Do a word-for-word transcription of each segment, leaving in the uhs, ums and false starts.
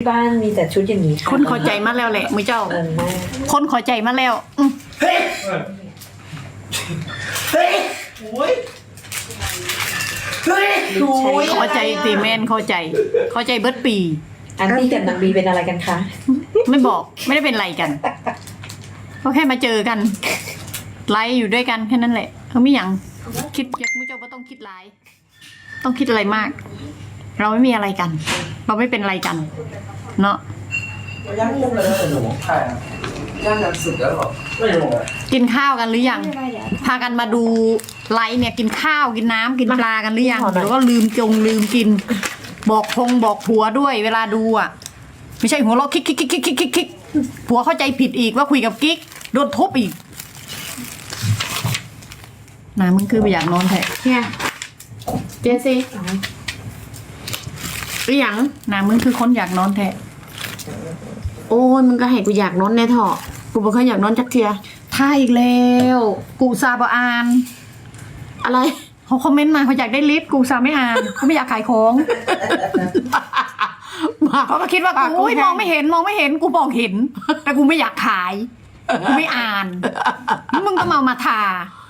บ้านมีแต่ชุดอย่างนี้ค่ะคนขอใจมาแล้วแหละมือเจ้าเงินมากคนขอใจมาแล้วอืมเฮ้ยเฮ้ยโอ้ยเฮ้ยโอ้ยขอใจตีแมนเข้าใจ เข้าใจเบิร์ดปีอันที่กับนางบีเป็นอะไรกันคะไม่บอกไม่ได้เป็นไรกันก็แค่มาเจอกันไลฟ์อยู่ด้วยกันแค่นั้นแหละเขาไม่ยังคิดอยากมือเจ้าก็ต้องคิดไลฟ์ต้องคิดอะไรมาก เราไม่มีอะไรกัน เราไม่เป็นอะไรกัน เนาะย่างยังเลยนะหนูใช่ย่างยังสุดแล้วหรอไม่รู้เลยกินข้าวกันหรือยัง พากันมาดูไลฟ์เนี่ยกินข้าวกินน้ำกินปลากันหรือยังหรือว่าลืมจงลืมกิน บอกพงบอกผัวด้วย เวลาดูอ่ะ ไม่ใช่หัวเราะคิกคิกคิกคิกคิกคิกคิกผัวเข้าใจผิดอีกว่าคุยกับกิ๊กโดนทุบอีกนามึงคือไปอยากนอนแท้เนี่ยเจซี่หรือยังนามึงคือคนอยากนอนแท้โอ้ยมึงก็ให้กูอยากนอนในเถอะกูบ่เคยอยากนอนจักเทียท่าอีกแล้วกูซาบอ่านอะไรเขาคอมเมนต์มาเขาอยากได้ลิฟต์กูซาไม่อ่านเขาไม่อยากขายของเขาก็คิดว่ากูอุ๊ยมองไม่เห็นมองไม่เห็นกูบอกเห็น แต่กูไม่อยากขายกูไม่อ่านแล้วมึงก็มามาทา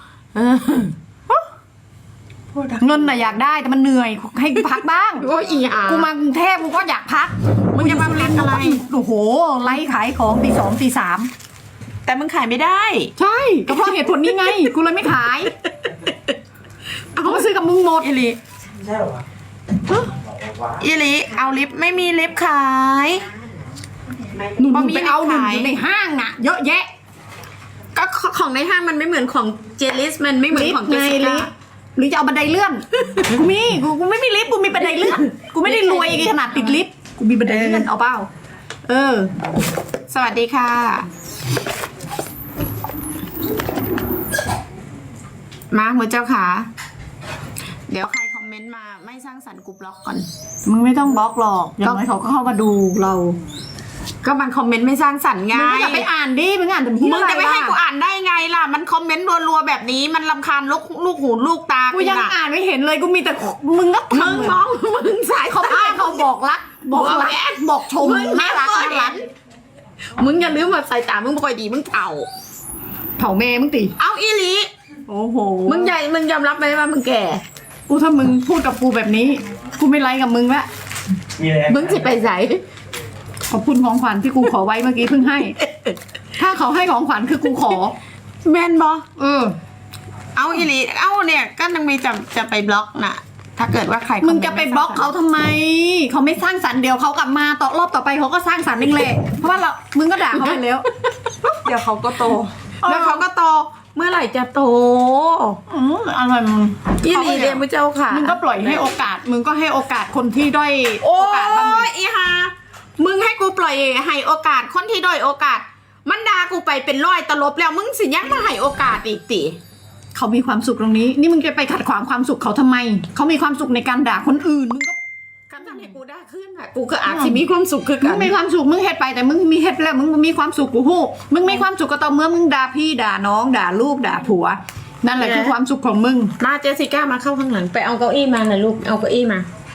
เงินน่ะอยากได้แต่มันเหนื่อยให้กูพักบ้างโอ้ยอีอ่ะกูมากรุงเทพกูก็อยากพักมึงจะมาพักอะไรโอ้โหไล่ขายของตีสองตีสามแต่มึงขายไม่ได้ใช่ก็เพราะเหตุผลนี้ไงกูเลยไม่ขายเขามาซื้อกับมึงหมดอีหลีใช่หรออีหลีเอาลิฟต์ไม่มีลิฟต์ขายหนูบะหมี่ไปเอาหนูขายอยู่ในห้างน่ะ เยอะแยะก็ของในห้างมันไม่เหมือนของเจลิสมันไม่เหมือนของเจสสิลิก้าฟต์หรือจะเอาบันไดเลื่อน กูมีกูกูไม่มีลิฟต์กูมีบันไดเลื่อนกูไม่ได้รวยขนาดติดลิฟต์กูมีบันไดเลื่อนเอาเปล่าเออสวัสดีค่ะ มาหัวเจ้าขาเดี๋ยวใครคอมเมนต์มาไม่สร้างสรรค์กูบล็อกก่อนมึงไม่ต้องบล็อกหรอกอย่างน้อยเขาก็เข้ามาดูเราก็มันคอมเมนต์ไม่สร้างสรรค์ไงมึงก็อย่าไปอ่านดิมึงอ่านแต่ที่มึงจะไม่ให้กูอ่านได้ไงล่ะ มันคอมเมนต์รัวๆแบบนี้มันรำคาญลูกลูกหูลูกตากูยังน่ะอ่านไม่เห็นเลยกูมีแต่มึงก็มึงมองมึงสายเขาเขาอ้าอ้างเขาบอกรักบอกรักบอกชมมึงน่ารักไม่น่าเคยรักมึงอย่าลืมว่าสายตามึงบ่ค่อยดีมึงเถ่าเผาแม่มึงตีเอาอีหลีโอ้โหมึงใหญ่มึงยอมรับไหมว่ามึงแก่กูถ้ามึงพูดกับกูแบบนี้ กูไม่ไลค์กับมึงละมีอะไรมึงสิไปใส่ขอบคุณของขวัญที่กูขอไว้เมื่อกี้เพิ่งให้ ถ้าเขาให้ของขวัญคือกูขอแมนบอเออเอาอีหลีเอาเนี่ยก็นังมีจะจะไปบล็อกน่ะ ถ้าเกิดว่าใครมึงจะไปบล็อกเขาทำไม เขาไม่สร้างสรรค์เดี๋ยวเขากลับมาต่อรอบต่อไปเขาก็สร้างสรรค์เองแหละเพราะว่าเรา มึงก็ด่าเขาไปแล้วเดี๋ยวเขาก็โตแล้วเขาก็โตเมื่อไหร่จะโตอืมอะไรมึงอีหลีเดียมึงเจ้าค่ะมึงก็ปล่อยให้โอกาส มึงก็ให้โอกาสคนที่ด้อยโอ้โอกาสบ้างดิยอีฮามึงให้กูปล่อยให้โอกาสคนที่ด้อยโอกาส มันด่ากูไปเป็นร้อยตลบแล้วมึงสิยังมาให้โอกาสอีกติเขามีความสุขตรงนี้ นี่มึงจะไปขัดขวางความสุขเขาทำไม เขามีความสุขในการด่าคนอื่น มึงก็การทำให้กูด่าขึ้นอ่ะกูก็อาจสิมีความสุขคือมึกังนมีความสุขมึงเฮ็ดไปแต่มึงมีเฮ็ดแล้วมึงมีความสุขกูฮู้มึงมีความสุขก็ต่อเมื่อมึงด่าพี่ด่าน้องด่าลูกด่าผัว นั่นแหละคือความสุขของมึงมาเจสสิก้ามาเข้าข้างหลังไปเอาเก้าอี้มาหน่อยลูกเอาเก้าอี้มา